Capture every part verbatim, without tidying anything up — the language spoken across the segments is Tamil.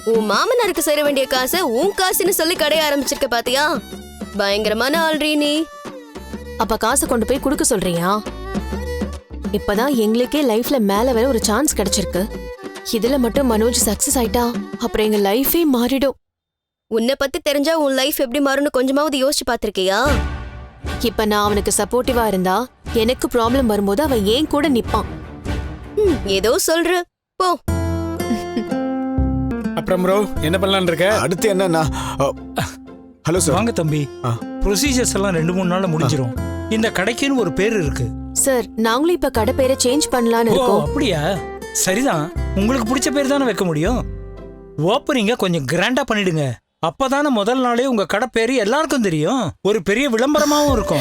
உன் மாமனாருக்கு சேர வேண்டிய காசை உன் காசுன்னு சொல்லி கடைய ஆரம்பிச்சிருக்க பாத்தியா? பயங்கரமான ஆள்றீ நீ. அப்ப காசை கொண்டு போய் குடுக்க சொல்றியா? இப்பதான் எங்களுக்கே லைஃப்ல மேல வர ஒரு சான்ஸ் கிடைச்சிருக்கு. இதுல மட்டும் மனோஜ் சக்சஸ் ஆயிட்டா அப்புறம் எங்க லைஃபே மாறிடும். உன்னை பத்தி தெரிஞ்சா உன் லைஃப் எப்படி மாறும்னு கொஞ்சமாவது யோசிச்சு பாத்திருக்கியா? இப்ப நான் அவனுக்கு சப்போர்ட்டிவா இருந்தா எனக்கு ப்ராப்ளம் வரும்போது அவன் ஏன் கூட நிப்பான். ஏதோ சொல்ற போ. அப்புறம் ப்ரோ என்ன பண்ணலாம்னு இருக்க? அடுத்து என்னன்னா, ஹலோ சார். வாங்க தம்பி. ப்ரொசீஜர்ஸ் எல்லாம் ரெண்டு மூணு நாள்ல முடிஞ்சிரும். இந்த கடைக்குன்னு ஒரு பேர் இருக்கு சார். நாங்களும் இப்ப கடை பேரை சேஞ்ச் பண்ணலாம்னு ஓ இருக்கோம். அப்படியா? சரிதான், உங்களுக்கு பிடிச்ச பேர் தானே வைக்க முடியும். ஓப்பனிங்க கொஞ்சம் கிராண்டா பண்ணிடுங்க. அப்பதானே முதல் நாளே உங்க கடை பேரு எல்லாருக்கும் தெரியும். ஒரு பெரிய விளம்பரமாவும் இருக்கும்.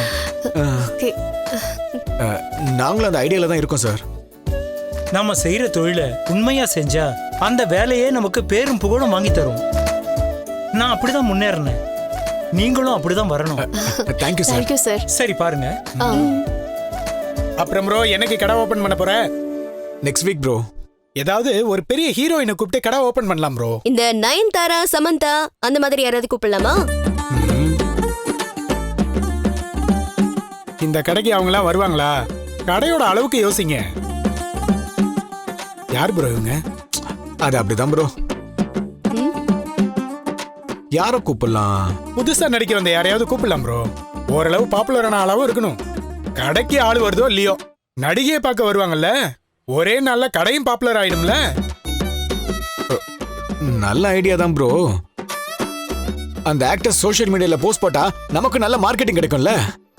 நாங்களும் அந்த ஐடியால தான் இருக்கோம் சார். நாம செய்யற தொழில உண்மையா செஞ்சா அந்த வேலையே நமக்கு பேரும் புகழும் வாங்கி தரும். நான் அப்படிதான் முன்னேறினேன், நீங்களும் அப்படிதான் வரணும். Thank you sir. Thank you sir. சரி பாருங்க. அப்புறம் ப்ரோ என்னைக்கு கடை ஓபன் பண்ண போற? Next week bro. ஏதாவது ஒரு பெரிய ஹீரோயினை கூப்பிட்டு கடை ஓபன் பண்ணலாம் ப்ரோ. இந்த நயன்தாரா, சமந்தா அந்த மாதிரி யாராவது கூப்பிடலாமா? இந்த கடைக்கு அவங்களாம் வருவாங்களா? கடையோட அளவுக்கு யோசிங்க. யார் ப்ரோ இவங்க? அது அப்படிதான் ப்ரோ. யார கூப்பிடலாம்? புதுசா நடிக்க வந்த யாரையாவது கூப்பிடலாம் ப்ரோ. ஓரளவு பாப்புலரான ஆளாவும் இருக்கணும். கடைக்கு ஆள் வருதோ இல்லையோ, நடிகையை பார்க்க வருவாங்கல்ல, ஒரே நாள்ல கடையும் பாப்புலர் ஆயிடும்ல. நல்ல ஐடியா தான் ப்ரோ. அந்த ஆக்டர் சோஷியல் மீடியால போஸ்ட் போட்டா நமக்கு நல்ல மார்க்கெட்டிங் கிடைக்கும்ல.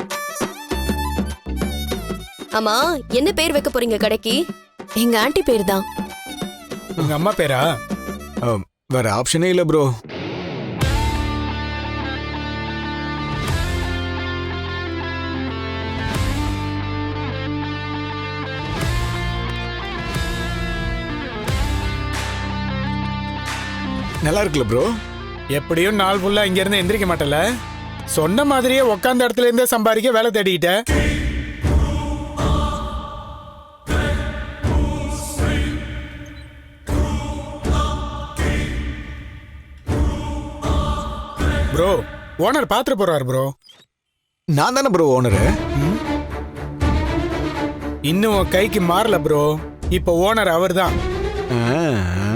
ஆமா, என்ன பேர் வைக்க போறீங்க கடைக்கு? எங்க ஆன்ட்டி பேர் தான். உங்க அம்மா பேரா? வேற ஆப்ஷனே இல்ல ப்ரோ. நல்லா இருக்குல்ல ப்ரோ? எப்படியும் நாள் ஃபுல்லா இங்க இருந்து எந்திரிக்க மாட்டல. சொன்ன மாதிரியே உட்கார்ந்த இடத்துல இருந்தே சம்பாதிக்க வேலை தேடிக்கிட்ட. ப்ரோ ஓனர் பாத்துட்டு போறாரு ப்ரோ. நான் தானே ப்ரோ ஓனரு. இன்னும் கைக்கு மாறல ப்ரோ. இப்ப ஓனர் அவர் தான். ஆ